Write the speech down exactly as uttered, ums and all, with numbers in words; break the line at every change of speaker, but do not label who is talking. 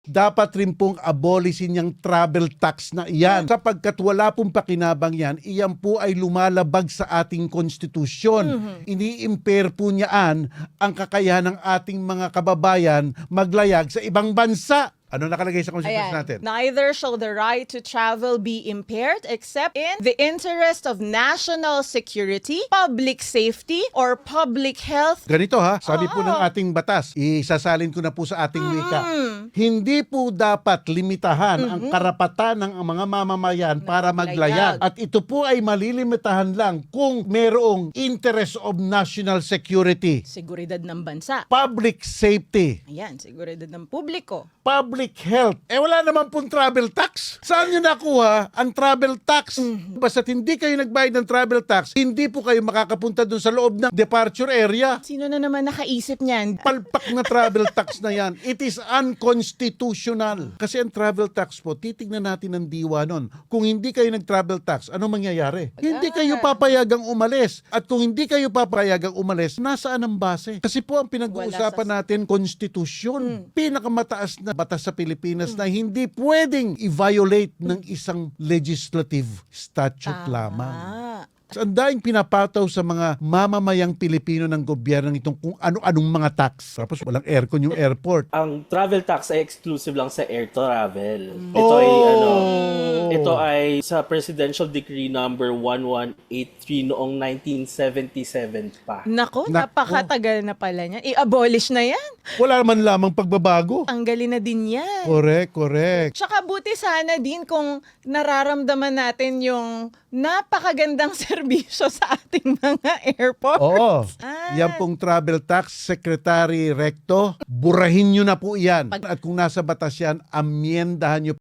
dapat rin pong abolisin yung travel tax na iyan. Sapagkat wala pong pakinabang yan, iyan po ay lumalabag sa ating konstitusyon.
Mhm.
Ini-impair po niyaan ang kakayahan ng ating mga kababayan maglayag sa ibang bansa. Ano nakalagay sa konstitusyon
Ayan.
natin?
Neither shall the right to travel be impaired except in the interest of national security, public safety, or public health.
Ganito ha, sabi po
Oo.
ng ating batas, isasalin ko na po sa ating wika.
Mm.
Hindi po dapat limitahan ang karapatan ng mga mamamayan para maglayag.
maglayag.
At ito po ay malilimitahan lang kung merong interest of national security,
Seguridad ng bansa.
public safety,
Ayan, seguridad ng publiko.
public health. Eh wala naman pong travel tax. Saan nyo nakuha ang travel tax? Basta't hindi kayo nagbayad ng travel tax, hindi po kayo makakapunta dun sa loob ng departure area.
Sino na naman nakaisip niyan?
Palpak na travel tax na yan. It is unconstitutional. Kasi ang travel tax po, titignan natin ang diwa nun. Kung hindi kayo nag-travel tax, ano mangyayari? Hindi kayo papayagang umalis. At kung hindi kayo papayagang umalis, nasaan ang base? Kasi po ang pinag-uusapan
Wala
natin, konstitusyon. Pinakamataas na batas sa Pilipinas na hindi pwedeng i-violate ng isang legislative statute lamang.
Ah.
Ang daing pinapataw sa mga mamamayang Pilipino ng gobyerno itong kung ano-anong mga tax. Tapos walang aircon yung airport.
Ang travel tax ay exclusive lang sa air travel.
Mm.
Ito ay
Oh!
ano, ito ay sa Presidential Decree number one one eight three noong nineteen seventy-seven pa.
Nako,
Nako.
napakatagal na pala niya. I-abolish na yan.
Wala man lamang pagbabago.
Tanggalin na din yan.
Correct, correct.
Tsaka buti sana din kung nararamdaman natin yung napakagandang serbisyo sa ating mga airports.
Oo.
Ah.
Yan pong travel tax, Secretary Recto, burahin nyo na po yan. At kung nasa batas yan, amyendahan nyo